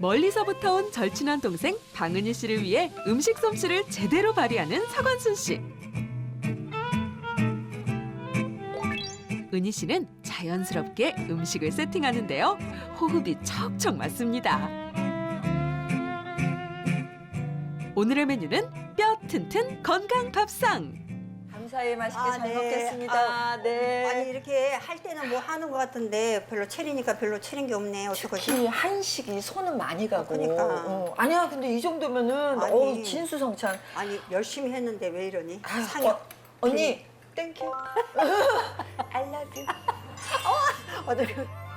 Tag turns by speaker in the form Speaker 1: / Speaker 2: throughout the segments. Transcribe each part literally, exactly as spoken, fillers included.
Speaker 1: 멀리서부터 온 절친한 동생 방은희 씨를 위해 음식 솜씨를 제대로 발휘하는 서건순 씨. 은희 씨는 자연스럽게 음식을 세팅하는데요. 호흡이 척척 맞습니다. 오늘의 메뉴는 뼈 튼튼 건강 밥상.
Speaker 2: 감사히 맛있게
Speaker 3: 아,
Speaker 2: 잘
Speaker 3: 네.
Speaker 2: 먹겠습니다.
Speaker 3: 아,
Speaker 2: 네.
Speaker 3: 아니 이렇게 할 때는 뭐 하는 것 같은데 별로 차리니까 별로 차린 게 없네. 어떡하지?
Speaker 2: 특히 한식이 손은 많이 가고.
Speaker 3: 그러니까.
Speaker 2: 어, 아니야, 근데 이 정도면은
Speaker 3: 아니.
Speaker 2: 어 진수성찬.
Speaker 3: 아니 열심히 했는데 왜 이러니?
Speaker 2: 아유,
Speaker 3: 상이
Speaker 2: 어, 언니, 땡큐. I love you.
Speaker 3: 어떻게?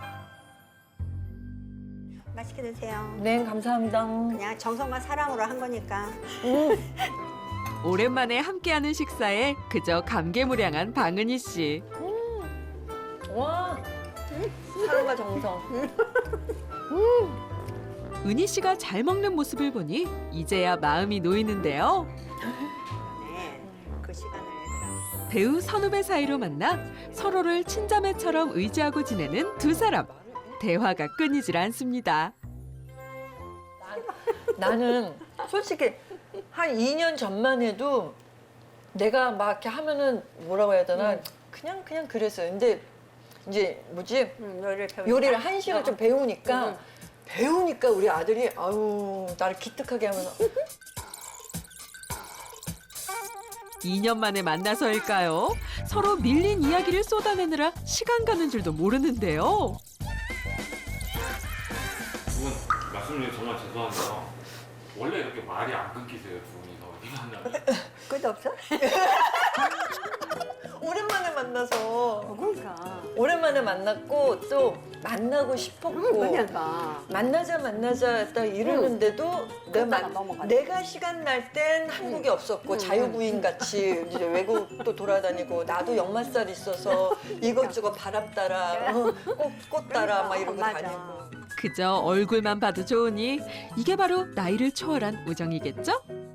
Speaker 3: 맛있게 드세요.
Speaker 2: 네, 감사합니다.
Speaker 3: 그냥 정성과 사랑으로 한 거니까.
Speaker 1: 오랜만에 함께하는 식사에 그저 감개무량한 방은희 씨.
Speaker 2: 와, 사랑과 정성.
Speaker 1: 은희 씨가 잘 먹는 모습을 보니 이제야 마음이 놓이는데요.
Speaker 3: 네, 그 시간을 얘들아.
Speaker 1: 배우 선후배 사이로 만나 서로를 친자매처럼 의지하고 지내는 두 사람. 대화가 끊이질 않습니다.
Speaker 2: 나는 솔직히 한 이 년 전만 해도 내가 막 이렇게 하면은 뭐라고 해야 되나
Speaker 3: 음.
Speaker 2: 그냥 그냥 그랬어요. 근데 이제 뭐지
Speaker 3: 음, 요리를 배우니까.
Speaker 2: 요리를 한식을 좀 배우니까
Speaker 3: 음.
Speaker 2: 배우니까 우리 아들이 아유 나를 기특하게 하면서
Speaker 1: 이 년 만에 만나서일까요? 서로 밀린 이야기를 쏟아내느라 시간 가는 줄도 모르는데요.
Speaker 4: 두 분 말씀 중에 정말 죄송한데요. 원래 이렇게 말이 안 끊기세요, 두 분이서 어디 만나면?
Speaker 3: 끝 없어?
Speaker 2: 오랜만에 만나서
Speaker 3: 그러니까.
Speaker 2: 오랜만에 만났고 또 만나고 싶었고
Speaker 3: 그러니까.
Speaker 2: 만나자 만나자 딱 이러는데도 내가,
Speaker 3: 그러다가
Speaker 2: 만-
Speaker 3: 넘어가네.
Speaker 2: 내가 시간 날 땐 한국에 없었고 자유부인 같이 이제 외국도 돌아다니고 나도 역마살 있어서 이것저것 바람 따라 어, 꽃, 꽃 따라 막 이러고
Speaker 3: 맞아.
Speaker 2: 다니고
Speaker 1: 그저 얼굴만 봐도 좋으니 이게 바로 나이를 초월한 우정이겠죠?